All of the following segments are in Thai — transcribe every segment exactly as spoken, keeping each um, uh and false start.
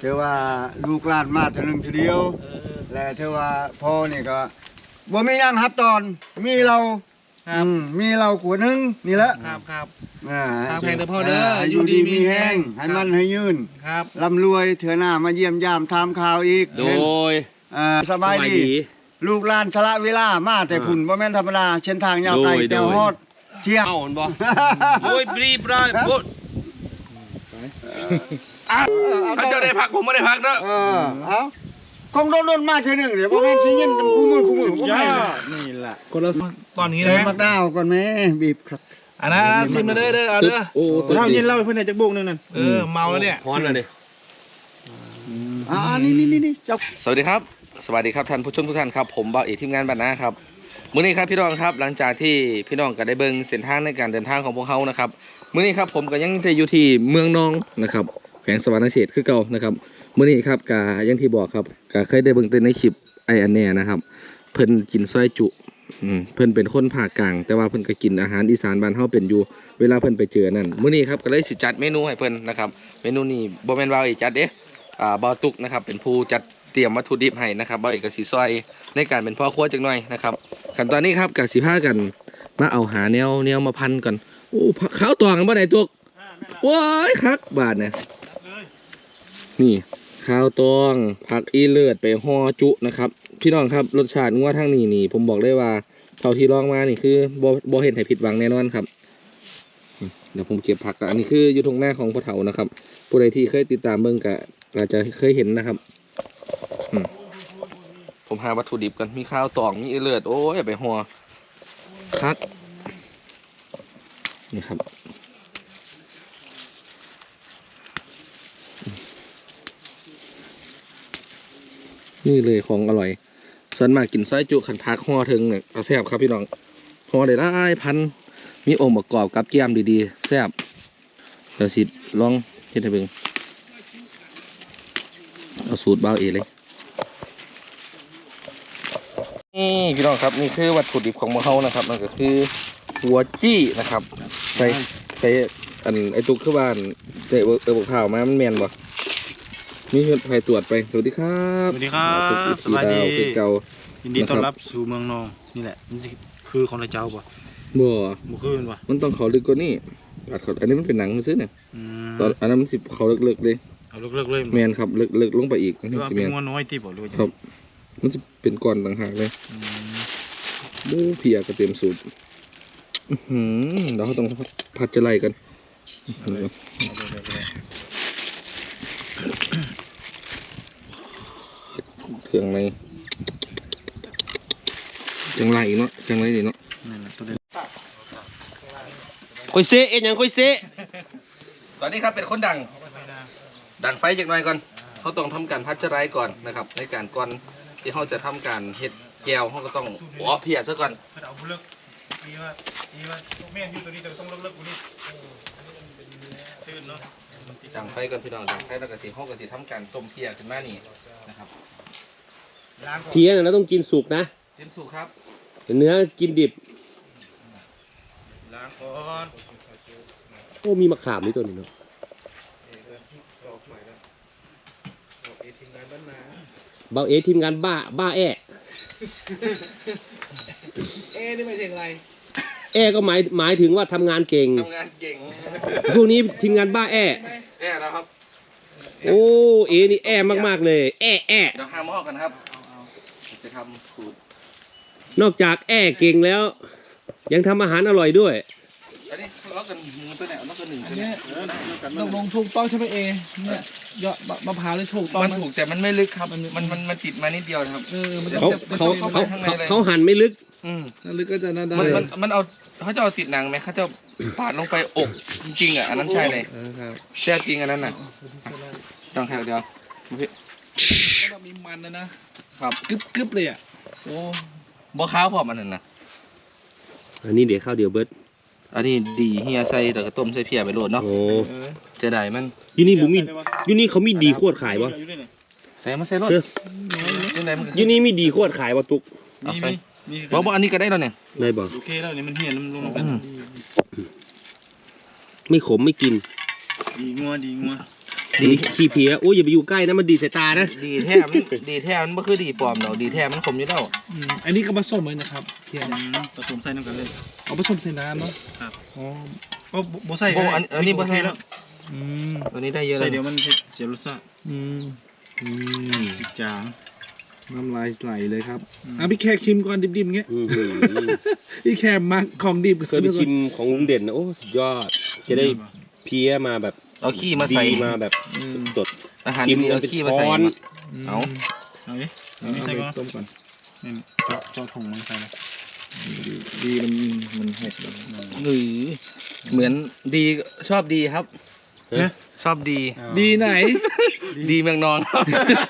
เธอว่าลูกหลานมาเท่านึงทีเดียวและเธอว่าพ่อนี่ก็บ่มียังครับตอนมีเราอืมมีเราขวดนึงนี่แหละครับครับอ่าทางแพงเด้อพ่อเด้ออยู่ดีมีแห้งให้มันให้ยืนครับร่ำรวยเถื่อหน้ามาเยี่ยมยามทำข่าวอีกโดยอ่าสบายดีลูกหลานสละเวลามาแต่พุ่นบ่แม่นธรรมดาเส้นทางยาวไกลแต่ฮอดเที่ยงเอ้าบ่โอ้ยปรีปรายบ่เขาจะได้พักผมไม่ได้พักเด้อเออเอาคงโดนๆมาเทื่อนึงเดี๋ยวบ่แม่นสิยินกันคู่มือคู่มือบ่แม่นนี่ล่ะคนละตอนนี้ใส่นะมักดาวก่อนแม่บีบครับอันนั้นซิมมาเด้อเด้อเอาเด้อโอ้เรายินเล่าให้เพื่อนในจักบุกนึงนั่นเออเมาแล้วเนี่ยฮ้อนแล้วดิอ่านี่นี่นี่เจ้าสวัสดีครับสวัสดีครับท่านผู้ชมทุกท่านครับผมบ่าวเอกทีมงานบ้านนาครับมื้อนี้ครับพี่น้องครับหลังจากที่พี่น้องก็ได้เบิ่งเส้นทางในการเดินทางของพวกเฮานะครับมื้อนี้ครับผมก็ยังจะอยู่ที่เมืองนองนะครับแขวงสวรรณเขตคือเก่านะครับมื้อนี้ครับก็อย่างที่บอกครับก็เคยได้เบิ่งแต่ในคลิปไอ้อันแน่นะครับเพิ่นกินซอยจุอืมเพิ่นเป็นคนภาคกลางแต่ว่าเพิ่นก็กินอาหารอีสานบ้านเฮาเป็นอยู่เวลาเพิ่นไปเจอนั่นมื้อนี้ครับก็เลยสิจัดเมนูให้เพิ่นนะครับเมนูนี้บ่แม่นว่าอีจัดเด้อ่าบ่าวตุกนะครับเป็นผู้จัดเตรียมวัตถุดิบให้นะครับบ่าวเอกก็สิซอยในการเป็นพ่อครัวจักหน่อยนะครับขั้นตอนนี้ครับก็สิพากันมาเอาหาแนวแนวมาพันก่อนโอ้ข้าวตองบ่ได้ตุกว้ายคักบาดเนี่ยนี่ข้าวตองผักอีเลือดไปห่อจุนะครับพี่น้องครับรสชาติงัวทั้งนี้นี่ผมบอกได้ว่าเท่าที่ลองมานี่คือบ่บ่เห็นให้ผิดหวังแน่นอนครับเดี๋ยวผมเก็บผักอันนี้คืออยู่ตรงหน้าของพ่อเฒ่านะครับผู้ใดที่เคยติดตามเบิ่งก็อาจจะเคยเห็นนะครับผมหาวัตถุดิบกันมีข้าวตองมีอีเลือดโอ้ยไปห่อคักนี่ครับนี่เลยของอร่อยส่วนมากกินไส้จุขันพักห่อถึงเนี่ยเอาแซ่บครับพี่น้องห่อได้หลายพันมีองค์ประกอบกับแก้มดีๆแซ่บเดี๋ยวสิลองเฮ็ดให้เบิ่งเอาสูตรเบาเอเลยนี่พี่น้องครับนี่คือวัตถุดิบของมะเฮานะครับนั่นก็คือหัวจี้นะครับใส่ใส่อันไอตุกคือบ้านเตะเออบอกข่าวมามันแมนบ่มีเพื่อนไปตรวจไปสวัสดีครับสวัสดีครับสวัสดีเก่ายินดีต้อนรับสู่เมืองนองนี่แหละมันคือของเจ้าป่ะบ่บ่คือป่ะมันต้องเขาลึกกว่านี้อัดเขาอันนี้มันเป็นหนังซื้อเนี่ยตอนอันนั้นมันสิเขาลึกๆเลยเอาลึกๆเลยแมนครับลึกๆลงไปอีกนี่สิแมนเป็นน้อยที่บ่รู้จักครับมันจะเป็นก้อนต่างหากเลยบูเพียก็เต็มสูตรเดี๋ยวเขาต้องผัดจะไล่กันเครื่องในจังไรเนาะจังไรดีเนาะคุยเซเอ็นยังคุยเซตอนนี้ครับเป็นคนดังดังไฟจากหน่อยก่อนเขาต้องทำการพัชไรก่อนนะครับในการก่อนที่เขาจะทำการเห็ดแก้วเขาก็ต้องอ๋อเพียซะก่อนดังไฟก่อนพี่น้องดังไฟแล้วก็สีเขาก็สีทำการต้มเพียขึ้นมานี่นะครับเพียเราต้องกินสุกนะกินสุกครับเนื้อกินดิบล้างก่อนโอ้มีมะขามนี่ตัวนี้เนาะเบาเอทีมงานบ้าบ้าแอเอนี่หมายถึงอะไรแอก็หมายหมายถึงว่าทำงานเก่งทำงานเก่งพวกนี้ทีมงานบ้าแอแอนะครับโอ้เอนี่แอมากๆเลยแอแอเดี๋ยวหาหม้อกันครับจะทำสูตรนอกจากแอเก่งแล้วยังทำอาหารอร่อยด้วยอันนี้เรากันตัวไหนเรากันหนึ่งตัวไหนต้องลงถูกต้องใช่ไหมเอเนี่ยยอดมะพร้าวเลยถูกต้องมันถูกแต่มันไม่ลึกครับมันมันมันติดมานิดเดียวนะครับเขาเขาเขาเขาหั่นไม่ลึกอืมลึกก็จะน่าได้มันมันเอาเขาจะเอาติดหนังไหมเขาจะปาดลงไปอกจริงๆอ่ะอันนั้นใช่เลยแซ่บจริงอันนั้นน่ะต้องแค่เดียวพี่มีมันนะนะครับกึบกึบเลยอ่ะโอ้บ่ข้าวพอมันนั่นนะอันนี้เดี๋ยวข้าวเดียวเบิร์ดอันนี้ดีเฮียใส่แต่ก็ต้มใส่เพียไปโหลดเนาะโอ้จะได้มันยูนี่บุมียูนี่เขามีดีโคตรขายวะใส่มาใส่รถยูนี่มีดีโคตรขายวะตุกเอาใส่บอกว่าอันนี้ก็ได้แล้วเนี่ยได้บอกโอเคแล้วเนี่ยมันเหี่ยมันลงไปไม่ขมไม่กินดีงัวดีงัวดีขี้เพี้ยโอ้ยอย่าไปอยู่ใกล้นะมันดีดสายตานะดีแท้มันดีแท้มันไม่คือดีปลอมดอกดีแท้มันขมอยู่แล้วอืมอันนี้ก็ผสมเลยนะครับเพียนผสมใส่น้ำกันเลยเอาผสมใส่น้ำเนาะครับอ๋อโอ้โบใส่โอ้อันอันนี้บ่ใส่แล้วอืมตัวนี้ได้เยอะเลใส่ยเดี๋ยวมันเสียรสชาติอืมอืมสิจางน้ำลายไหลเลยครับอ่ะพี่แขกชิมก่อนดิบๆอย่างเงี้ยอื้อหือพี่แขกมักของดิบเคยไปชิมของลุงเด่นนะโอ้สุดยอดจะได้เพี้ยมาแบบเอาขี้มาใส่ดีมาแบบสดอาหารๆชิมดีๆมัเอานเป็นขี้มาช้ใส่อนเอาเอาดิเอาไม่ใส่ไปก่อนต้มก่อนนี่เจาะเจาะถุงมันใส่เลยดีมันมันหกหรือเหมือนดีชอบดีครับฮะชอบดีดีไหนดีเมืองนอนครับ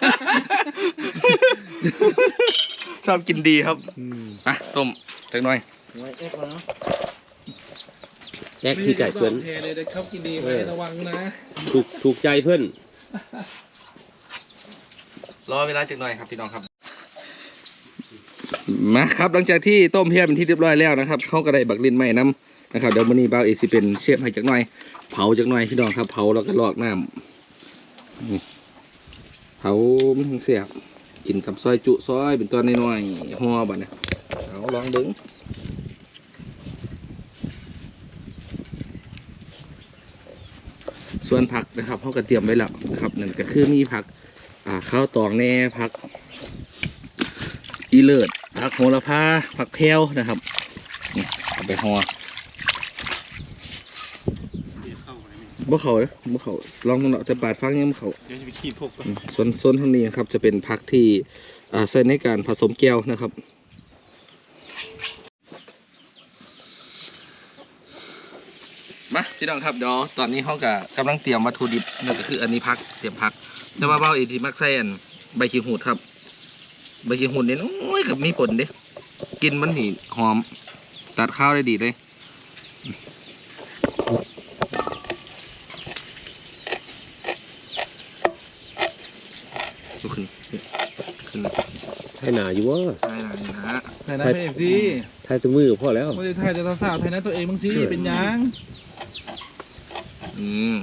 ชอบกินดีครับอ่ะต้มเล็กน้อยแอกที่ไก่เพื่อนเทเลยเดี๋ยวเขากินดีไหมระวังนะถูกถูกใจเพื่อนรอเวลาจักหน่อยครับพี่น้องครับมาครับหลังจากที่ต้มเพี้ยเป็นที่เรียบร้อยแล้วนะครับเขาก็ได้บักลินใหม่น้ำนะครับเดี๋ยววันนี้บ่าวเอซิเป็นเชฟให้จักหน่อยเผาจักหน่อยพี่น้องครับเผาแล้วก็ลอกน้ำนี่เผามันถึงเสียบกินกับซอยจุซอยเป็นตัวน้อยๆห่อบัดเนี่ยเอาลองเบิ้งส่วนผักนะครับเขาก็เตรียมไว้แล้วนะครับนั่นก็คือมีผักอ่าข้าวตองแน่ผักอีเลิศผักโหระพาผักแพรวนะครับนี่เอาไปห่อบ่เขาเลยบ่เขาลองเนาะแต่ปาดฟังยังบ่เขาเดี๋ยวจะไปขีดพวกก่อนส่วนส่วนเท่านี้ครับจะเป็นผักที่อ่าใช้ในการผสมแก้วนะครับมาพี่น้องครับเดี๋ยวตอนนี้เขาก็กำลังเตรียมวัตถุดิบนั่นก็คืออันนี้ผักเตรียมผักแต่ว่าเบ้าอีที่มักใส่อันใบขี้หูดครับใบขี้หูดเนี่ยโอ้ยกับมีผลเด้กินมันนี่หอมตัดข้าวได้ดีเลยลุกขึ้นขึ้นเลยไทยหนาอยู่วะใช่นะนี่นะฮะไทยนะเป็นเอฟซีไทยตัวมือพอแล้วไม่ได้ไทยแต่สาวๆไทยนะตัวเองบางซีเป็นยังอืม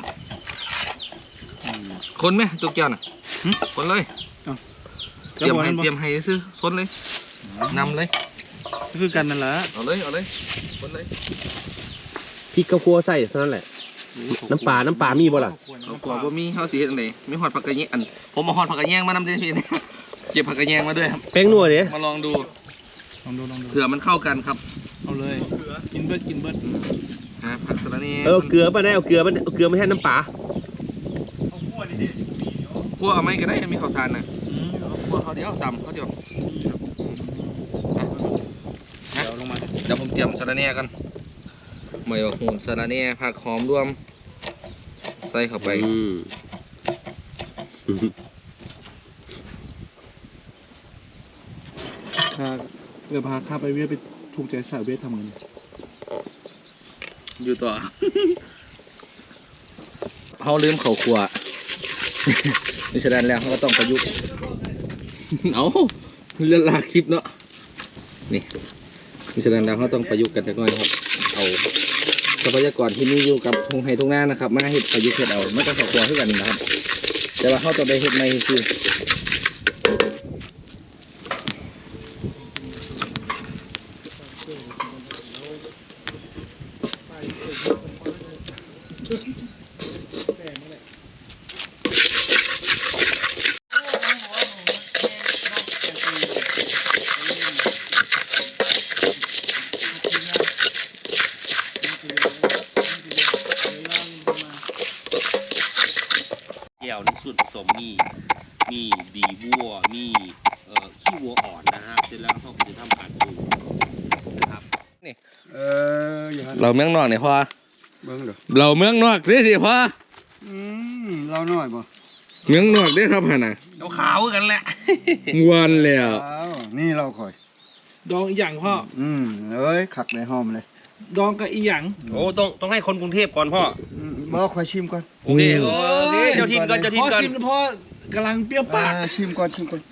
คนไหมตัวแก้วน่ะคนเลยเตรียมให้เตรียมให้ซื้อคนเลยนำเลยก็คือกันนั่นแหละเอาเลยเอาเลยคนเลยพริกกระพัวใส่เท่านั้นแหละ น้ำปลาน้ำปลามีบ่ล่ะเอากลัวว่ามีข้าวสีเฮ็ดจังไดมีหอดผักกระแยงอันผมเอาหอดผักกระแยงมานำด้วยพี่ เก็บผักกระแยงมาด้วยครับแป้งนัวเนี่ยมาลองดูลองดูลองดูเผื่อมันเข้ากันครับเอาเลยกินเบิร์ดกินเบิร์ดฮะผักสะระนี่เออเกลือป่ะได้เอาเกลือมันเอาเกลือไม่ใช่น้ำปลาพวกเอาไม่ก็ได้มีข้าวสารน่ะพวกเขาเดียวตำเขาเดียวอ่ะเดี๋ยวลงมาเดี๋ยวผมเตรียมสะระแหน่กันหมวยบักหูสะระแหน่ผักหอมรวมใส่เข้าไปอืมถ้าเดี๋ยวพาข้าไปเวียดไปถูกใจสาวเวียดทำไงเนี่ยอยู่ต่อ เขาลืมเขาขว นี่ฉะนั้นแล้วเขาก็ต้องประยุกต์ เอาเรื่องลากคลิปเนาะนี่นี่ฉะนั้นแล้วเขาต้องประยุกต์กันจักหน่อยครับเอาทรัพยากรที่มีอยู่กับทุ่งไห่ทุ่งนานะครับมาเฮ็ดประยุกต์เฮ็ดเอาไม่ต้องเขาขวขึ้นกันนะครับ แต่ว่าเขาต้องได้เฮ็ดในคือแก้วนี่ส่วนผสมมีมีดีวัวมีเอ่อขี้วัวอ่อนนะฮะเสร็จแล้วเขาก็จะทำการปรุงนะครับเอออย่าหันเราเมืองนอกเนี่ยพอเบิ่งเด้อเราเมืองนอกเด้สิพออืมเราน้อยบ่เมืองนอกเด้ครับฮะน่ะเราขาวกันแหละงวนแล้วอ้าวนี่เราค่อยดองอีหยังพ่ออืมเอ้ยขักในหอมเลยดองกับอีหยังโอ้ต้องต้องให้คนกรุงเทพก่อนพ่ออืมบ่ค่อยชิมก่อนโอเคโอเคเจ้าทินก่อนเจ้าทินพ่อก่อนซิมพ่อกำลังเปรี้ยวปากอ่าชิมก่อนชิมก่อน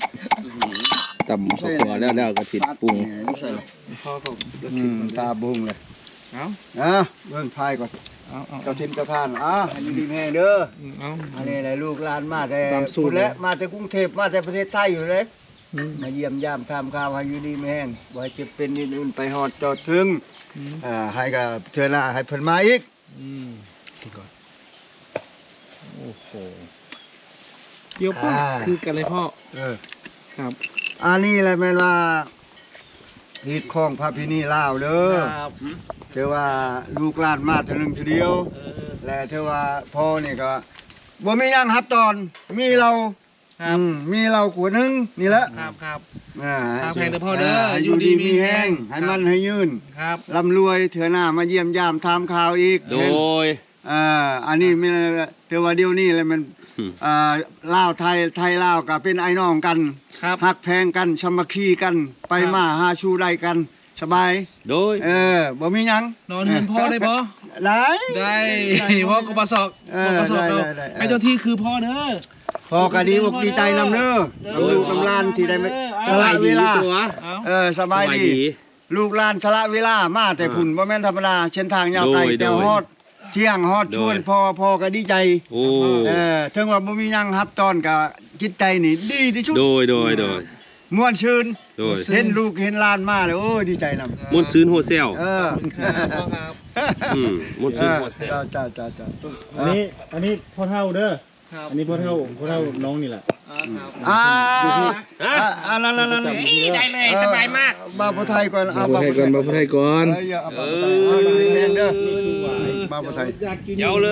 ตำข้าวคั่วแล้วแล้วก็สิปรุงไม่ใส่หรอกพ่อเขาจะอืซิมมตาบุ้งเลยเอาอ่ะเบิ่งพายก่อนเอาเอาเจ้าทินเจ้าท่านอ่ะอันนี้ดีแม่เด้อเอาอันนี้แหละลูกหลานมาแต่ตามสูตรและมาแต่กรุงเทพมาแต่ประเทศไทยอยู่เลยอืมมาเยี่ยมยามทำข่าวให้อยู่ดีไม่แห้งบ่ให้เจ็บเป็นนิดอื่นไปหอดจอดถึงอืมอ่าให้กับเธอหน้าให้เพิ่นมาอีกอืมกินก่อนโอ้โหเกี่ยวป้าอ่าคือกันเลยพ่อเออครับอันนี้แหละแม่นว่าฮิตของพระพินีลาวเด้อครับเธอว่าลูกหลานมาเท่านึงทีเดียวเออและเธอว่าพ่อนี่ก็บ่มีนั่งฮับตอน มีเราครับอืมมีเราขวดหนึงนี่แหละครับครับอ่าครับแพงเด้อพ่อเด้อให้อยู่ดีมีแห้งให้มันให้ยืนครับร่ำรวยเถื่อหน้ามาเยี่ยมยามทำข่าวอีกโดยอ่าอันนี้ไม่เทว่าเดียวนี้เลยมันอืมอ่าลาวไทยไทยลาวก็เป็นไอ้น้องกันครับหักแพงกันสามัคคีกัน ไปครับมาหาชูได้กัน สบายโดยเออบ่มีหยังนอนเฮือนพ่อได้พ่อได้ได้พ่อกบศอกเออกบศอกได้เอาได้ได้ไอ้เจ้าที่คือพ่อเด้อพอก็ดีอกดีใจนำเด้อเด้อลูกกำลานที่ได้มาเด้อสละเวลาตัวเอาเออสบายดี ลูกหลานสละเวลามาแต่พุ่นบ่แม่นธรรมดาเส้นทางยาวไกลโดยแต่ฮอดเที่ยงฮอดโดยชวนพ่อพ่อก็ดีใจโอ้เออถึงว่าบ่มีหยังรับตอนก็จิตใจนี่ดีที่สุดโดยโดยโดยม่วนชื่นโดยเห็นลูกเห็นหลานมาเลยโอ้ยดีใจนำมนต์ซื้นโฮเซลเออครับพ่อครับอืมมนต์เอซื้นอโฮเซลจ้าจ้าจ้าจ้าอันนี้อันนี้พ่อเท่าเด้อครับอันนี้พ่อเท่าพ่อเท่าน้องนี่แหละอ่าครับอ่าฮะอ่าอ่านั่นนั่นนั่นได้เลยสบายมากบาปไทยก่อนมาพูดไทยก่อนมาพูดไทยก่อนเอออย่าเอาบาปไทยเอาบาปไทยเด้อบาปไทยอยากกินเจ้าเลย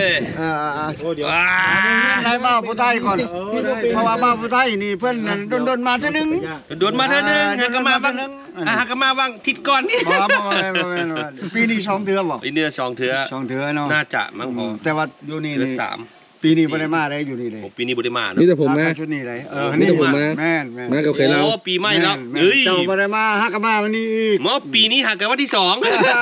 อ่าอ่าอ่าโอ้เดี๋ยวว้าให้บาปไทยก่อนเออได้เพราะว่าบาปไทยนี่เพิ่นนั่นโดนๆมาเท่านึงโดนมาเท่านึงหากมาบ้างอ่ะหากมาบ้างทิศก่อนนี่บ่บ่บ่บ่บ่ปีนี้สองเดือนบ่อีเนื้อสองเถื่อสองเดือนเนาะน่าจะมั้งพอแต่ว่าอยู่นี่เดือนนี่สามปีนี้บ่ได้มาได้อยู่นี่เลยผมปีนี้บุได้มามีเนาะแต่ผมนะชุดนี้เลยเออมีแต่ผมนะแม่นแม่นมากับเคยเราโอ้ปีใหม่แล้วม่นเอ้ยเจ้าบ่ได้มาฮักกะมาวันนี้อีกหมอปีนี้หากกันวันที่สอง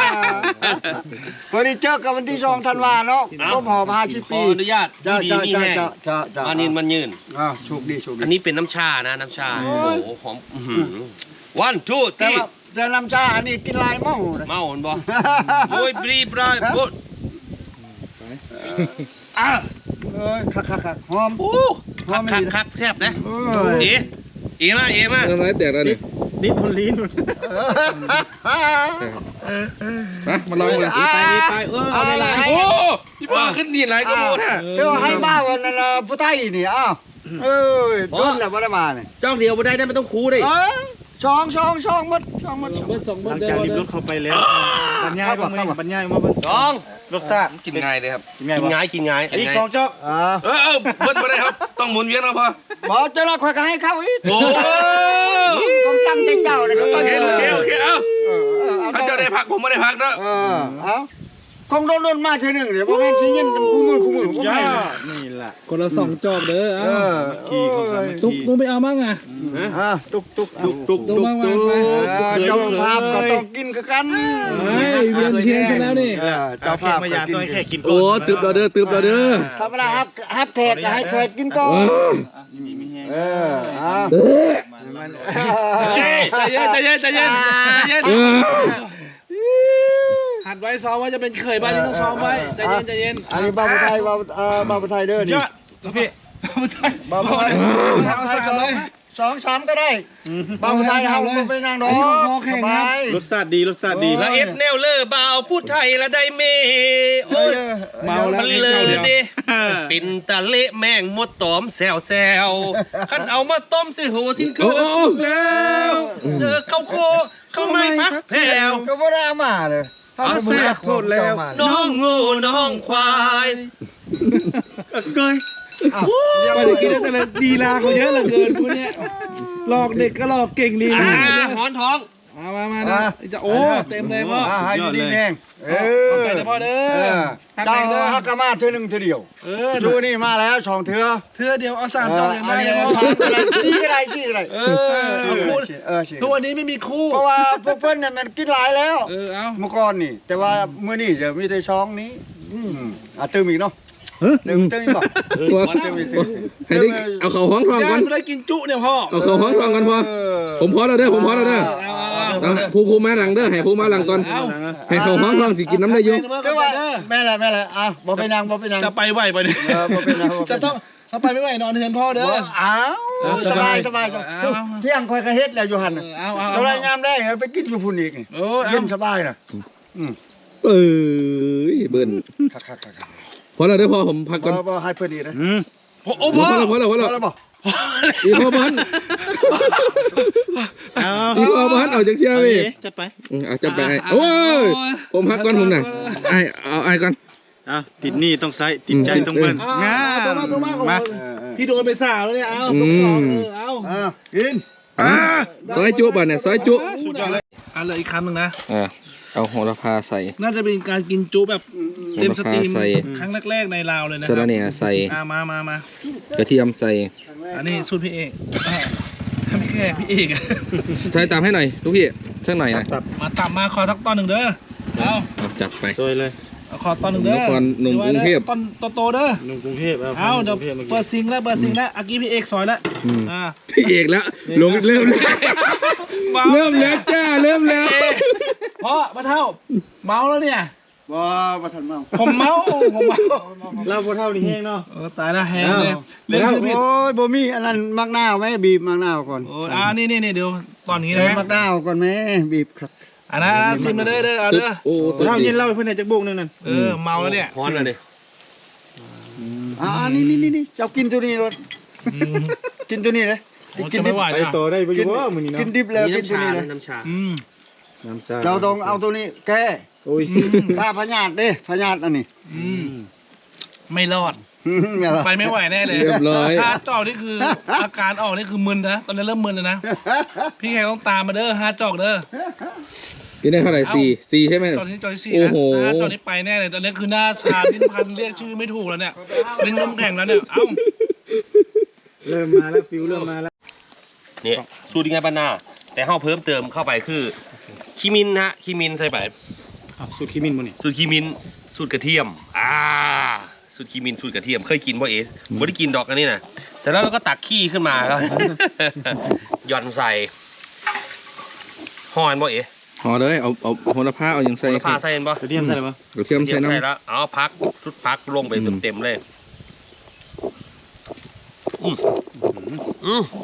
วันนี้เจอกันวันที่สองธันวาเนาะครบหอบห้าสิบขปีออนุญาตจ้าดีจ้ามีจ้าแห้งจ้าจ้าจ้ามานินมันยืนอ่าโชคดีโชคดีอันนี้เป็นน้ำชานะน้ำชา โอ้โหหอมวันทูแต่ตีว่าแต่น้ำชาอันนี้กินหลายเมาเลยเมาหันบ่โอ้ยปรีปรายปุ๊ดอ่ะเอ้ยคักคักคักหอมโอ้หอคัมกคักคักแซ่บนะเอ้ยเอ๋เอ๋มาเอ๋มาน้ำลายแตกแล้วนี่นิดคนลิ้นมามาลองเลยอ่าไปนี่ไปเออเอาได้หลายให้โอ้พี่ป้าขึ้นดีหลายก็โมดฮะเจ้าให้มาวันนั้นน่ะผู้ไทยนี่อ้าวเอ้ยโดนแล้วบ่ได้มาเนี่ยจ้องเดียวบ่ได้ได้ไม่ต้องคูดิเอ้ยช่องช่องช่องหมดช่องหมดสองเบิดสองหเบิลัดงเด้จากอรีบเด้รอถเข้าไปแล้วบรรยายบ้างไหมบรรยายมาบ้างสองรสชาติกินง่ายเลยครับกินง่ายกินวะง่ายกินง่ายอีกสองจอกอ่าเออเออเบิ้ลไปได้ครับ ต้องหมุนเวียนนะพ่อบ่เจ้าละข่อยก็ให้เขาอีกโอ้ต้องตั้งใจเจ้าเลยก็โอตั้งเคใจโอเคโอเคเอ้าเออเออเอาถ้าเจ้าได้พักผมไม่ได้พักเนาะเออเอาคงโดนโดนมาเท่อหนึงเดี๋ยวบ่แม่นสิเย็นคู่มือคู่มือบ่ย่าแม่นนี่แหละคนละสองจอบเด้อเอเอาอขี่เขาสามัคตุ๊กคีตุ๊กไปเอามั่งอ่ะอ่าตุกตุกตุกตุกตุ๊ตุกกมากมาตุไปกเออเจ้าภาพก็ต้องกินกับกันเฮ้ยเวียนเทียนกันแล้วนี่เออเจ้าเจ้าภาภาพพก็มายากินตัวแค่กินก่อนโอ้ตึบเราเด้อตึบเราเด้อธรรมดาครับฮับแขกก็ให้แขกกินก่อนว้าวเออเอามันใจเย็นใจเย็นใจเย็นใจเย็นเออหัดไว้ซ้อมว่าจะเป็นเคยบ้านนี้ต้องซ้อมไว้ใจเย็นใจเย็นอันนี้บาบุไทยบาบุเอ่อบาบุไทยเด้อนี่ยอดพี่ไม่ใช่บาบุไทยเอาสามเลยสองสามก็ได้บาบุไทยเอาไปนางดอกสบายรสชาติดีรสชาติดีละเอ็ดแนวเลอเบาพูดไทยละได้เมโอ้ยเมาแล้วมันเลยเด้ปินตะเละแม่งมดตอมแซวแซวคันเอามาต้มสิโหชิ้นคืโอ้อโอ้แล้วเจอเข้าโคเข้าไม่พักแผ่วก็บ่ได้เอามาเลยเอาแซ่บโคตรแล้วน้องงูน้องควายเกยไปจะกินได้แต่ละดีลาเขาเยอะเหลือเกินพวกเนี้ยหลอกเด็กก็หลอกเก่งดีอ่านะหอนท้องมามามานะจะโอ้เต็มเลยพ่ออ่าให้อยู่ดีแห้งเอขอบอใจนะพ่อเด้เอออเจ้าฮักกะมาเทื่อหนึงเทื่อเดียวเออดูนี่มาแล้วสองเทื่อเธอเดียวเอาสามจองยังได้เลยพ่อชี้อะไรชี้อะไรเออเอาคู่เออชี้ทุกวันนี้ไม่มีคู่เพราะว่าพวกเพิ่นเนี่ยมันกินหลายแล้วเออเอาเมื่อก่อนนี่ แต่ว่ามื้อนี้จะมีแต่ช่องนี้อืมอ่ะเติมอีกเนาะเติมเติมอีกบ่ตัวเติมอีกเติมอีกให้ได้เอาเขาห้องทองก่อนย่างไม่ได้กินจุเนี่ยพ่อเอาเขาห้องทองก่อนพ่อผมพอแล้วเด้อผมพอแล้วเด้อเอาเอาเอาเอาผู้ผู้มาหลังเด้อให้ผู้มาหลังก่อนให้เขาห้องห้องสิกินน้ำได้อยู่แต่ว่าแม่ละแม่ละอ่ะบ่ไปนั่งบ่ไปนั่งจะไปไหวไปเนี่ยเออบ่ไปนั่งบ่ไปนั่งจะต้องถ้าไปไม่ไหวนอนเฮือนพ่อเด้อบ่อ้าวสบายสบายเที่ยงค่อยก็เฮ็ดแล้วอยู่หั่นน่ะเอาเอาสบายยามได้ไปกินอยู่พุ่นอีกนี่โอ้เย็นสบายน่ะอืมเอ้ยเบิ่นคักๆพอแล้วเด้อพอผมพักๆก่อนบ่บ่ให้เพิ่นอีกนะอืมโอ้พอแล้วพอแล้วพอแล้วพอแล้วบ่อีพ่อบ้านเอาอีพ่อบ้านเอาจากเชียร์เอาพี่ดิจัดไปอืมเอาจับไปไอ้โอ้ยผมพักก่อนผมน่ะไอ้เอาไอ้ก่อนเอาติดหนี้ต้องใช้ติดใจต้องเบิ้ลงาตัวมาตัวมาของมาพี่โดนไปสาวแล้วเนี่ยเอาตุ๊กสองเออเอาอ้าวกินอ่ะซอยจุบ่ะเนี่ยซอยจุสุดยอดเลยอ่ะเหลืออีกคำหนึ่งนะอ่าเอาโหระพาใส่น่าจะเป็นการกินจุแบบเต็มสตรีมใส่ครั้งแรกๆในลาวเลยนะคสะรัระบเนี่ยใส่อ่ะมามามากระเทียมใส่อันนี้สูตรพี่เอกอ่ะพี่แขกพี่เอกอ่ะใส่ตามให้หน่อยลูกพี่สักหน่อยนะตับมาตับมาขอทักตอนหนึ่งเด้อเอาเอาจัดไปซอยเลยเอาขอตอนหนึ่งเด้อนครหนุ่มกรุงเทพตอนโตๆเด้อหนุ่มกรุงเทพเอาเอาเดี๋ยวกรุงทพมื่อเปิกี้ดซิงแล้วเปิดซิงแล้วอากี้พี่เอกซอยแล้วอืมอ่าพี่เอกแล้วลงเริ่มแล้วเริ่มแล้วจ้าเริ่มแล้วเพราะมาเท่าเมาแล้วเนี่ยบ่บ่ทันเมาผมเมาผมเมาเราพอเท่านี้แห้งเนาะเออตายแล้วแฮงเลยเรื่องชื่อผิดโอ้ยบ่มีอันนั้นมักนาวไหมบีบมักนาวก่อนโอ้อ่านี่นี่นี่เดี๋ยวตอนนี้ใช้นะมักนาวก่อนแม่บีบครับอันนั้นอันนั้นซิมมาเด้อเด้อเอาเด้อโอ้ตัวเราดีเย็นเล่าให้เพื่อนในจักรบุกนึงนั่นเออเมาแล้วเนี่ยฮ้อนเลยดิอ่านี่นี่นี่เจ้ากินตัวนี้รถอืมกินตัวนี้เลยโอ้จะไม่ไหวไปนะต่อได้ไปอยู่ว่ามือนี้เนาะกินดิบแล้วกินน้ำตัวชานี้เลยน้ำชาอืมน้ำซาเจ้าต้องเอาตัวนี้แก้โอ้ยถ้าพญาตเด้พญาตอันนี้อืมไม่รอดไม่หรอกไปไม่ไหวแน่เลยเรียบร้อยถ้าจอกนี่คืออาการออกนี่คือมึนนะตอนนี้เริ่มมึนเลยนะพี่แขกต้องตามมาเด้อฮาจอกเด้อพี่ได้เท่าไหร่สี่สี่ใช่ไหมจอกที่จอกที่สี่โอ้นะโหถ้าจอกนี้ไปแน่เลยตอนนี้คือหน้าชาลิ้นพันเรียกชื่อไม่ถูกแล้วเนี่ยลิ้นน้ำแข็งแล้วเนี่ยเอ้าเริ่มมาแล้วฟิวเริ่มมาแล้วเนี่ยสูตรยังไงบ้านนาแต่ห้าเพิ่มเติมเข้าไปคือคิมินนะฮะคิมินใส่ไปเอาสูตรขี้มินบ่นี่สูตรคิมินสูตรกระเทียมอ่าสูตรคิมินสูตรกระเทียมเคยกินบ่เอสบ่ได้กินดอกอันนี้นะเสร็จแล้วเราก็ตักขี้ขึ้นมาครับ หย่อนใส่ห่อนบ่เอห่อเลยเอาเอาโหระพาเอาอย่างใส่โหระพาใส่เห็นบ่กระเทียมใส่เลยปะกระเทียมเทียใส่มน้ำใส่แล้วเอาพักสุดพักลงไปอืมเต็มๆเลยอืมอืม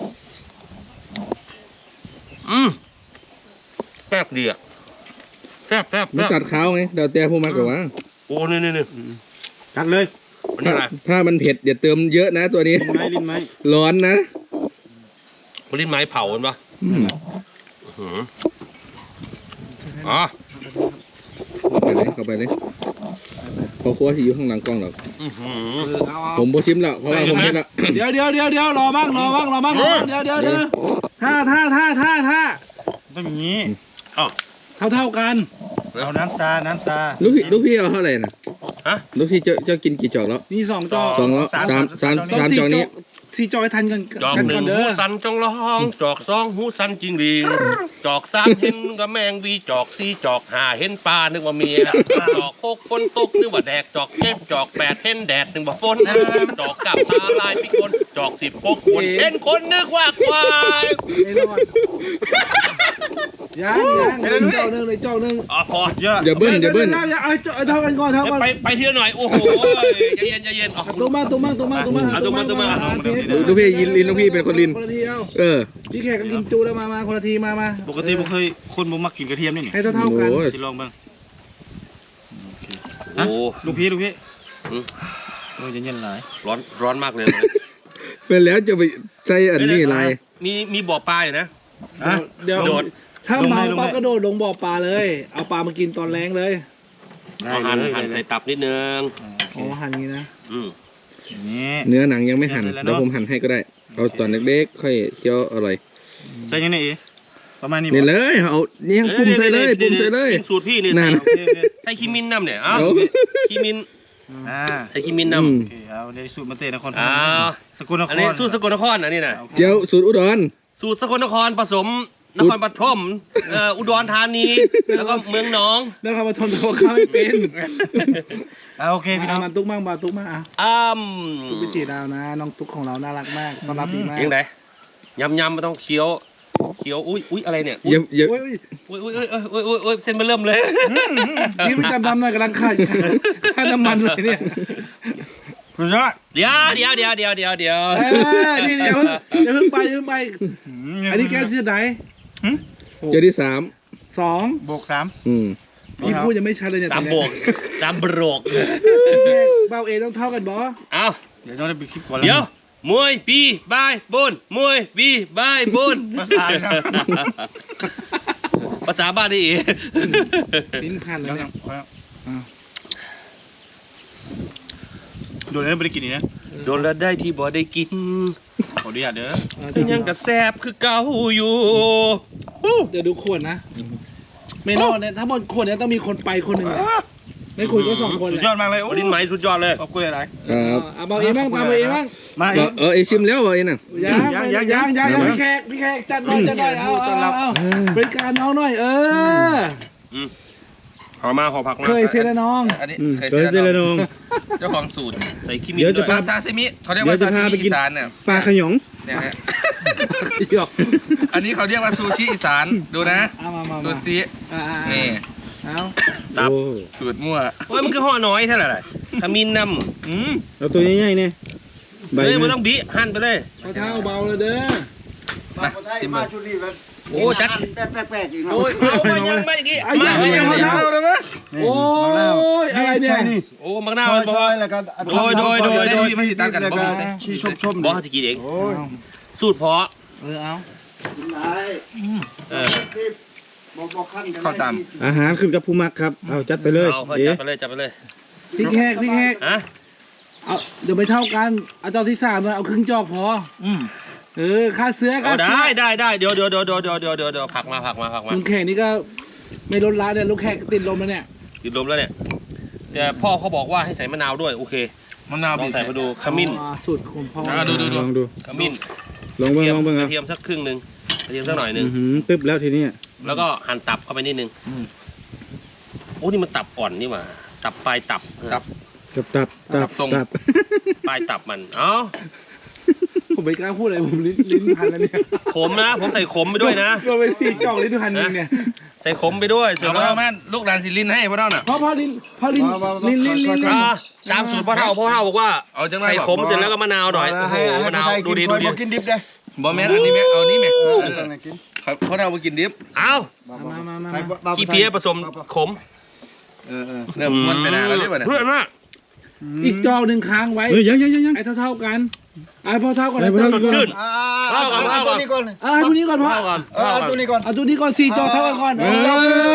อืมแซ่บดีอ่ะแซ่บแซ่บมันแซ่บตัดข้าวไงเดี๋ยวแต่ผู้มากกว่าโอ้นี่นี่นี่กัดเลยมันนี่ถ้าอะไรถ้ามันเผ็ดอย่าเติมเยอะนะตัวนี้ลิ้นไม้ลิ้นไม้ร้อนนะมันลิ้นไม้เผาเห็นปะอืมอื้อหืออ๋อเข้าไปเลยเข้าไปเลยพอครัวที่อยู่ข้างหลังกล้องหรอกอือหือผมโบชิมแล้วเพราะว่าผมเห็นแล้วเดี๋ยวเดี๋ยวเดี๋ยวเดี๋ยวรอบ้างรอบ้างรอบ้างรอบ้างเดี๋ยวเดี๋ยวเดี๋ยวท่าท่าท่าท่าท่าต้องอย่างนี้อ๋อเท่าเท่ากันเอาน้ำซาน้ำซาลูกพี่ลูกพี่เอาเท่าไหร่นะฮะลูกพี่เจ้าเจ้ากินกี่จอกแล้วนี่สองจอกสองแล้วสามสามสามจอกนี้สี่จอกให้ทันกันจอกกันหนึ่ก่งอนเด้หูอสันจงร้องจอกสองหูสันจริงดีจอกสามเห็นกระแมงวีจอกสี่จอกห้าเห็นปลานึกว่าเมียจอกหกฝนตกนึกว่าแดกจอกเจ็ดจอกแปดเห็นแดดนึกว่าฝนจอกเก้าตาลายพิกลจอกสิบพกคนเห็นคนนึกว่าควายไม่รอดยังยังเหลือจอกหนึ่งเหลยจอกหนึ่งอ๋อพอเยอะอย่าเบิ้ลอย่าเบิ้ลดี๋วดี๋วเอาจอกเอาเท่ากันก่อนเท่ากันไปไปเที่ยวหน่อยโอ้โหใจเย็นใจเย็นออกตุ้มมาตุ้มมาตุ้มมาตุ้มมาอ่ะตุ้มมาตุ้มมาลูกพี่ยินลินลูกพี่เป็นคนลินคนละทีเอาเออพี่แขกก็กินจูแล้วมามาคนละทีมามาปกติผมเคยคนบ่มักกินกระเทียมนี่นี่ให้เท่าเท่าๆกันโอ้ยสิลองเบ้างโอ้ลูกพี่ลูกพี่อืมโอ้ยเย็นๆหลายร้อนร้อนมากเลยเป็นแล้วจะไปใช้อันนี้อะไรมีมีบ่อปลาอยู่นะอ่ะเดี๋ยวโดดถ้าลงเมาให้ลงให้ปั๊บกระโดดลงบ่อปลาเลย เอาปลามากินตอนแรงเลยได้เอาหั่นเลยหั่นได้เลใส่ยตับนิดนึงโอ้หั่นอย่างนี้นะอืมนี่เนื้อหนังยังไม่หั่นเดี๋ยวเดี๋ยวเนอะผมหั่นให้ก็ได้ เอาตอนเล็กๆค่อยเคี้ยวอร่อยใส่ยังไงอีประมาณนี้นี่บ่เลยเอานี่ยังปุ่มใส่เลยปุ่มใส่เลยเป็นสูตรพี่นี่นั่นโอเคโอเคใส่ขี้มินน้ำเนี่ยเอ้าเอาขี้มินอ่าใส่ขี้มินอืมน้ำโอเคเอาเดี๋ยวสูตรมาเตะนครพนอ้าม วสกลนคอันรนี้สูตรสกลนครอันนี้นะเกี๊ยวสูตรอุดรสูตรสกลนครผสมนครปฐมเอ่ออุดรธานีแล้วก็เมืองหนองแล้วเขามาทนตัวเขาไม่เป็นอ่าโอเคพี่น้องมาตุ๊กมั่งมาตุ๊กมั่งอ่ะอ้ามตุ๊กพิจิตรดาวนะ น้องตุ๊กของเราน่ารักมากต้อนรับดีมากยังไงยำยำไม่ต้องเคี้ยวเขียวอุ้ยอุ้ยอะไรเนี่ยอย่าอย่าโอ้ยอุ้ยอุ้ยอุ้ยอุ้ยอุ้ยอุ้ยเส้นมันเริ่มเลยนี่ประจำทำหน่อยกำลังขาดค่าน้ำมันเลยเนี่ยสุดยอดเดี๋ยวเดี๋ยวเดี๋ยวเดี๋ยวเดี๋ยวเดี๋ยวเออนี่เดี๋ยวเพิ่งเดี๋ยวเพิ่งไปเดี๋ยวเพิ่งไป อันนี้แก้วที่ไหนเจอที่สามสองบวกสามอืมพี่พูดยังไม่ชัดเลยเนี่ยตามโบกตามโบกเบาเอต้องเท่ากันบอเอาเดี๋ยวต้องได้ไปคลิปก่อนแล้วเดี๋ยวมวยบีบายบนมวยบีบายบนภาษาครับภาษาบ้านนี่ลิ้นพันแล้วเนี่ยโดนแล้วไม่ได้กินอีกนะโดนแล้วได้ที่บ่ได้กินขออนุญาตเด้อซึ่งยังกระแซบคือเก่าอยู่เดี๋ยวดูขวดนะไม่รอดเนี่ยถ้าหมดขวดเนี่ยต้องมีคนไปคนหนึ่งเนี่ยไม่ขวดก็สองคนสุเลดยยอดมากเลยโอ้ลิ้นไหมสุดยอดเลยขอบคุณหลายครับเอาเบาเอบ้างตามเบาเอบ้างๆมาเออเออไอชิมแล้วเบาเอ็น่ะยังยังยังยังยังพี่แขกพี่แขกจัดหน่อยจัดหน่อยเอาเอาเอาบริการน้องหน่อยเออขอมาขอผักมาเคยเซนน้องอันนี้เคเคยยเซเซเลนนองเจ้าของสูตรใส่ขี้มินเดี๋ยวจะด้วยพาซาซิมิเขาเรียกว่าเดี๋ยวซาจะพาซิไปมิกิอีนสานเนี่ยปลาขยงเนี่ยฮะหยอกอันนี้เขาเรียกว่าซูชิอีสานดูนะเอามามาซูมาชิอ่านี่เอาตับโอ้สูตรมั่วโอ้ยมันคือห่อน้อยเท่าไหร่ขมิ้นนำอืมเอาตัวใหญ่ๆเนี่ยใบเฮ้ยไม่นะต้องบิหั่นไปเลยเอาเท้าเบาเลยเด้อมาคนไทยมาชุดนี้มันโอ้จัดแป๊กๆๆอีกเนาะโอ้ยเอาไปยังไม่กี่ไอ้มายังไปไม่ยัยัง งไม่ไม่ยังเท้าเอาเลยมั้ยโอ้ยอะไรเนี่ยใช่นี่โอ้มักหน้าซมันอยบอกๆว่าแล้วก็โดยโดยโดยโดยไม่ติดตามกันบ่มีชี้ชมๆบอกเขาจะกินเองโอ้ยสูตรเพาะเออเอากินได้เออบ่บ่คั่นกันเข้าตามอาหารขึ้นกับผู้มักครับเอาจัดไปเลยเอาไปเดี๋ยจัวบไปเลยจับไปเลยพี่แขกพี่แขกฮะเอาเดี๋ยวไม่เท่ากันเอาเจ้าที่สามมาเอาครึ่งจอกพออืมเออค่าเสื้อเอาค่าเสื้ได้ได้ได้เดี๋ยวเดี๋ยวเดี๋ยวเดี๋ยวเดี๋ยวเดี๋ยวเดี๋ยวเดี๋ยวผักมาผักมาผักมาลุงแขกนี่ก็ไม่ลดละเนี่ยลุงแขกติดลมแล้วเนี่ยติดลมแล้วเนี่ยแต่พ่อเขาบอกว่าให้ใส่มะนาวด้วยโอเคมะนาวลอบีงบใส่มาดูขมิ้นอ่าสูตรของพ่ออ่าดูดูลองดูขมิ้นลองเบิ่งเทียลมองเบิ่งกครัระบเทียมสักครึ่งหนึ่งกระเทียมสักหน่อยหนึ่งอื้อหือตึ๊บแล้วทีนี้แล้วก็หั่นตับเข้าไปนิดนึงโอ้นี่มันตับอ่อนนี่หว่าตับปลายตับตับตับตับตับตรงตับปลายตับมันเอ้าผมไม่กล้าพูดอะไรผมลิ้นลิ้นพันแล้วเนี่ยขมนะ ผมใส่ขมไปด้วยนะโดนไปสี่จอกลิ้นพันหนึงเนี่ยใส่ขมไปด้วยเสร็จเอาแล้วพ่อแม่ลูกหลานสิลินให้พ่อเท่าน่ะพอพอลิ้นพอลิ้นลิ้นลิ้นลิ้นลิ้นอ่าตามสูตรพ่อเฒ่าพ่อเฒ่าบอกว่าเอาจังไรใส่บอกขมเสร็จแล้วก็มะนาวหน่อยโอ้โหให้ให้มะนาวให้ดูดีกิดูนดีบ่กินดิบเด้บ่แม่นอันนี้แม่เอานี่แม่เอเอออต้องให้กินครับพ่อเท่าไปกินดิบเอ้ามามามาให้มาบ่าวขี้เพี้ยผสมขมเออเออเริ่มมันไปนานแล้วเรียกว่าเนี่ยเพื่อนมากอีกจอกหนึ่งค้างไว้เฮ้ยยังยังยังยังไอ้เท่าเท่าๆกันไอ้พอเท่ากันไปไปไอ้แล้วเท่าอีกกันคนขึ้นอ่าเอาก่อนเอาเอาก่อนตัวนี้ก่อนเออให้พวกนี้ก่อนพ่อเท่าก่อนเออเอาตัวนี้ก่อนเอาตัวนี้ก่อนสี่จอกเท่ากันก่อนเอเอา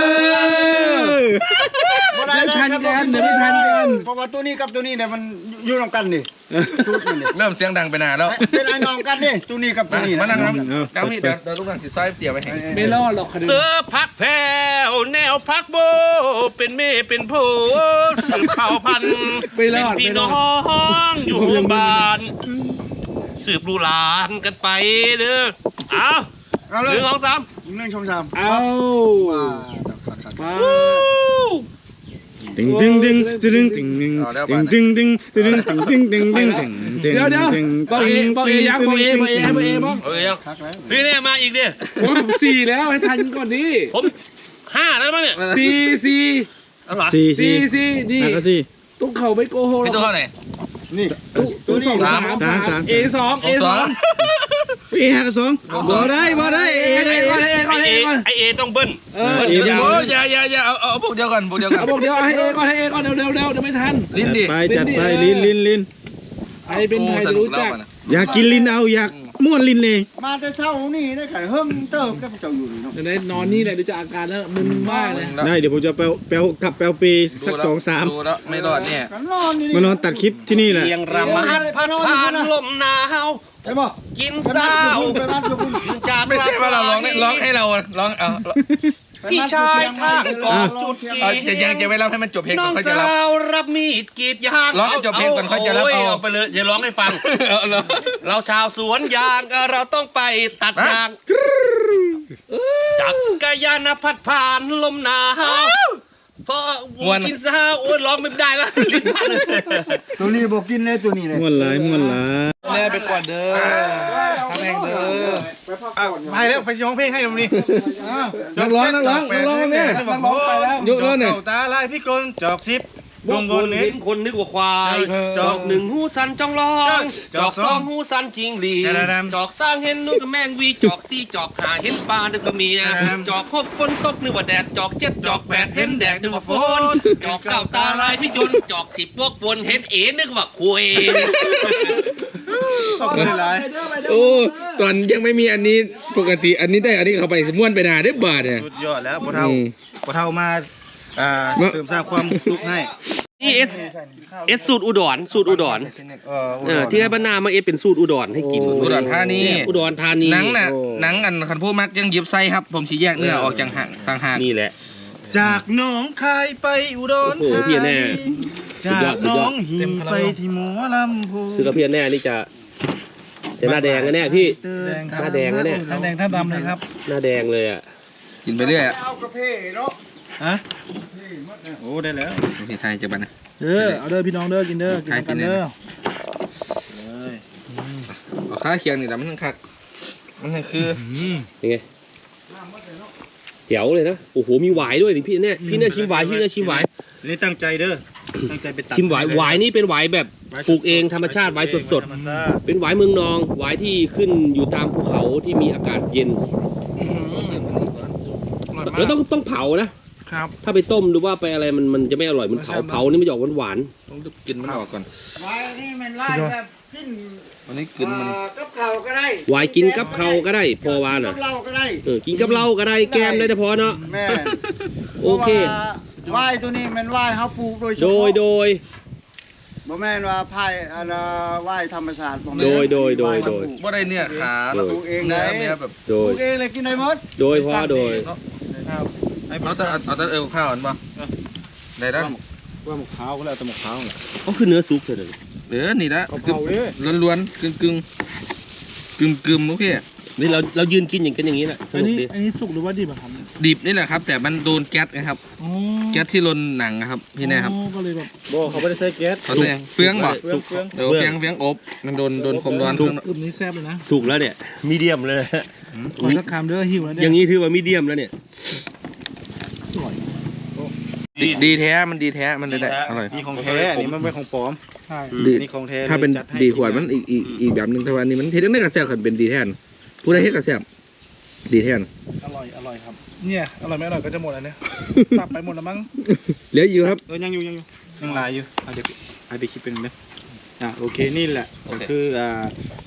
อไม่ทันกันเดี๋ยวไม่ทันกันเพราะว่าตัวนี้กับตัวนี้เนี่ยมันอยู่นำกันนี่ชุดมันนี่เริ่มเสียงดังไปนานแล้วเป็นไอ้น้องกันนี่ตัวนี้กับตัวมานี้มานั่งครับเอาเจ้าพี่เดี๋ยวเดี๋ยวลูกหลานสิซอยเตี๋ยวไปให้ไม่รอดหรอกคดีเสือพักแผ่วแนวพักโบ เป็นเมฆเป็นโพสืบเผ่าพันธุ์ไม่รอดเป็นพี่ไม่รน้ออดงอยู่บ้าน สืบลูกหลานกันไปเด้อเอาเอาหเลยนึ่งสองสามหนึ่งช่องสามเอาว้าครับครับมาตึงตึงตึงตึงตึงตึงตึงตึงตึงตึงตึงตึงตึงตึงตึงตึงเดี๋ยวเดี๋ยวบอกเอบอกเอยังบอกเอบอกเอบอกเอบ้างเอ้ยยังคักแล้วพี่เนี่ยมาอีกดิผมสี่แล้วให้ทันก่อนดิผมห้าแล้วมั้งเนี่ยสี่สี่เอาเหรอสี่สี่สี่สี่นี่อ่ะก็สี่ตุ๊กเขาไม่โกหกหรพี่อกตัวเท่าไหร่นี่ตุ๊กสองสามสามสามเอสองเอสองเอห้ากับสองบ่ได้บ่ได้เอเอได้ก่อนเอเอก่อนไอเอเอก่อนไอเอต้องเบิ้ลเออเอเดี๋ยวเบิ้ลโอ้ยอย่าอย่าอย่าเอาเอาพวกเดียวกันพวกเดียวกันเอาบอกเดี๋ยวให้เอก่อนให้เอก่อนเร็วเร็วเร็วเดี๋ยวไม่ทันลิ้นจัดดิไปจัดไปลิ้นลิ้นลิ้นใครเป็นใครจะรู้จักอยากกินลิ้นเอาอยากม้วนลิ้นเองมาแต่เช้านี่ได้ไข่เฮิ่มเติมได้พวกเจ้าอยู่นี่เนาะเดี๋ยวได้นอนนี่แหละเดี๋ยวจะอาการแล้วมึนมากเลยได้เดี๋ยวผมจะไปแปลกลับแปลปีสักสองสามดูแล้วไม่รอดเนี่ยกันนอนนี่มานอนตัดคลิปที่นี่แหละเรียงรำมาพัดผ่านลมหนาวใช่ป่ะกินไปบ้าเศร้านไปบ้านทุกคนจากไม่ใช่ว่าเราร้องเนี่ยร้องให้เราร้องเอาพี่ชายท่าก่อนจุดเอากีจะยังจะไม่รับให้มันจบเพลงน้ก่ออนงค่อยจะสารับวรับมีดกรีดยางร้องให้จบเพลงก่อนค่อยจะรับเอาโเอาไปเลยอย่าร้องให้ฟังเอาเลยเราชาวสวนยางเราต้องไปตัดยางจักรยานพัดผ่านลมหนาวเพราะวัวกินซาโอ้ยร้องไม่ได้แล้วลิ้นพันตัวนี้บอกกินเลยตัวนี้เลยม้วนหลายม้วนหลายแม่ไปก่อนเด้อทำเองเด้อไปไปไปแล้วไปร้องเพลงให้ตรงนี้นักร้องนักร้องนักร้องเนี่ย ยกแล้วเนี่ยตาลายพี่กลจอกซิปดวงบนเห็เห็นนคนนึกว่าควายเออจอกหนึ่งหูสันจ้องร้องจจออก กสสออง งหูสันจริงหลีแต่ละดำจอกสร้างเห็นนู่นกับแมงวีจอกสี่จอกหาเห็นปลานึกว่าเมียแต่ละดำจอกหกฝนตกนึกว่าแดดจอกเจ็ดจอกแปดเห็นแดดนึกว่าฝนจอกเก้าตาลายพี่ยนต์จอกสิบพวกบนเห็นเอ๋นึกว่าคุยขอบคุณหลายโอ้ตอนยังไม่มีอันนี้ปกติอันนี้ได้อันนี้เข้าไปม้วนไปนาได้บาทเนี่ยสุดยอดแล้วพ่อเท่าอืมพ่อเท่ามาอ่าเสริมสร้างความสุขให้นี่เอสเอสสูตรอุดรสูตรอุดรเออเออที่ให้บ้านนามาเอสเป็นสูตรอุดรให้กินอุดรธานีเนี่ยอุดรธานีหนังน่ะหนังอันคันพูมักยังหยิบไส้ครับ ผมสีแยกเนื้อออกจากห่างต่างหากนี่แหละจากหนองคายไปอุดรโอ้โหธาพี่แน่นีสุดจายอก ดสุหดนยออดงหินไปที่หมอลำพูซื้อกระเพียนแน่นี่จะจะหน้าแดงกันแน่พี่ หน้าแดงนะเนี่ยหน้าแดงท่าดำเลยครับหน้าแดงเลยอ่ะกินไปเรื่อยอะเอากระเพาะเนาะฮะโอ้ได้แล้วพี่ไทยจะบันนะเออเอาเด้อพี่น้องเด้อกินเด้อกินใครกิกัน นเนี่ยเด้อเอาข้าเคียงนี่แต่มันคักมันคือยังไงแจ๋วเลยนะโอ้โหมีหวายด้วยนี่พี่เนี่ยพี่เนี่ยชิมหวายพี่เนี่ยชิมหวายนี่ตั้งใจเด้อตั้งใจไปตัดชิมหวายหวายนี่เป็นหวายแบบปลูกเองธรรมชาติหวายสดธรรมชาติๆเป็นหวายเมืองนองหวายที่ขึ้นอยู่ตามภูเขาที่มีอากาศเย็นแล้วต้องต้องเผานะครับ ถ้าไปต้มหรือว่าไปอะไรมันมันจะไม่อร่อยมันเผาเผานี่มันจะออกหวานต้องกินมันออกก่อนไว้นี่มันไล่แบบกินวันนี้กินมันเอ่อกับข้าวก็ได้ๆหวายกินกับเขาก็ได้พอวาน่ะกับเหล้าก็ได้เออกินกับเหล้าก็ได้แกมได้แต่พอเนาะแม่โอเคพราะว่าไหว้ตัวนี้มันไหว้เขาปลูกโดยเฉโดพาะยโดยบ่แม่นว่าไผ่อันน่ะไหว้ธรรมชาติบ่แม่นโดยโดยโดยโดยว่าได้เนี่ยขาโดยแล้วปลูกเองเนื้ได้อเนื้อแบบโดปลูยกเองเลยกินได้หมดโดยพอโดยเอาแต่เอาแต่เอวข้าวอันป่ะได้ได้ว่าหมกขาวก็แล้วแต่หมกขาวแหละก็คือเนื้อซุปเลยเออนี่ละเอาเผาดิล้วนๆกึ่งกึ่งกึ่งกึ่งโอเคนี่เราเรายืนกินอย่างกันอย่างนี้แหละสอันนุกนี้ดีอันนี้สุกหรือว่าดิบอะครับดิบนี่แหละครับ แต่มันโดนแก๊สนะครับอ๋อแก๊สที่ลนหนังนะครับพี่แน่ครับอ๋อก็เลยแบบบ่เขาไม่ได้ใช้แก๊สเขาแสดงเฟืองบ่เฟืองเฟืองเดี๋ยวเฟืองเฟืองอบมันโดนโดนความร้อนข้างนอกกลุ่มนี้แซ่บเลยนะสุกแล้วเนี่ยมีเดียมเลยขอสักคำเด้อหิวแล้วอเนี่ยย่างนี้ถือว่ามีเดียมแล้วเนี่ยดีดีแท้มันดีแท้มันเลยได้อร่อยนี่ของแท้อันนี้มันไม่ของปลอมใช่ดีนี่ของแท้ถ้าเป็นจัให้ดีขวดมันอีกอีกอีกแบบหนึงแต่ว่าอันนี้มันเฮ็ดได้กระแซบขันเป็นดีแท้นผู้ใดเฮ็ดกระแซบดีแท้นอร่อยอร่อยครับ เนี่ยอร่อยไม่อร่อยก็จะหมดแล้วเนี่ยตับไปหมดแล้วมั้งเหลืออยู่ครับเออยังอยู่ยังอยู่ยังหลายอยู่เอาเดี๋ยวเอาไปคิดเป็นไหมอ่ะโอเคนี่แหละก็คืออ่า